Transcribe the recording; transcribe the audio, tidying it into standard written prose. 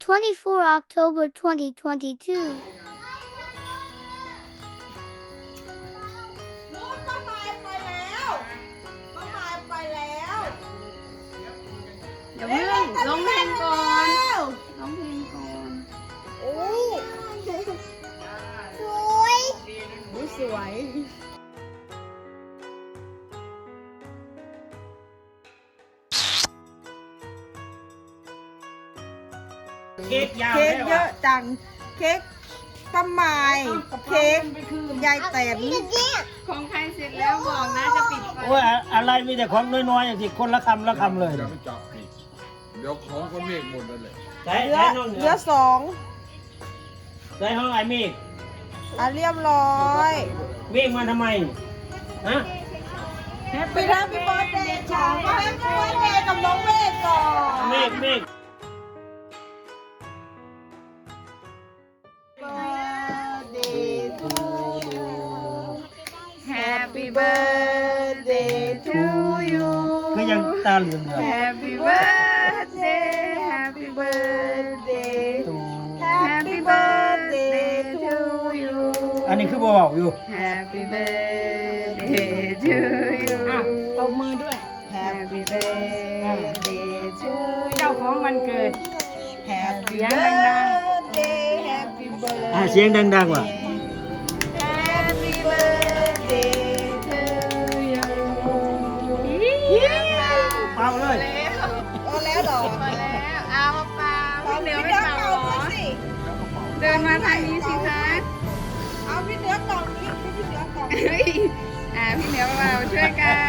24 October 2022. นู้นป้าหมายไปแล้วป้าหมายไปแล้วเดี๋ยวเพิ่งร้องเพลงก่อนร้องเพลงก่อนโอ้สวยเค้กยาวเค้กได้เยว่ะอะจังเค้กป้าหมายเค้กยายแตนของใครเสร็จแล้วบอกนะจะปิดไฟโอ้ยอะไรมีแต่ของน้อยๆอย่างที่คนละคำละคำเลยอย่าไปจับผิดเดี๋ยวของคนเมฆหมดนั่นแหละใช้เหลือใช้ห้องเหนืเหลืออสองใช้ห้องไอ้เมฆเรียบร้อยเมฆมาทำไมฮะไปรับพี่บอสเดย์ฉองมาให้พี่บอสเดย์กับน้องเมฆก่อนเมฆ Birthday to you Happy birthday to you ก็ยังตาเหลือง Happy birthday Happy birthday ๆ Happy birthday to you อันนี้คือบอกอยู่ Happy birthday to you ตบมือด้วย Happy birthday to you เจ้าของวันเกิด Happy เสียงดัง birthday Happy birthday เสียงดังๆว่ะ Happy birthday to you เป่าเลยโอ้แล้วเหรอพอแล้วเอาเปล่าพี่เหนือไม่เป่าหรอสิเดินมาทางนี้สิคะเอาพี่เหนือกล่องนี้พี่เหนือกล่องเฮ้ยพี่เหนือเปล่าช่วยกัน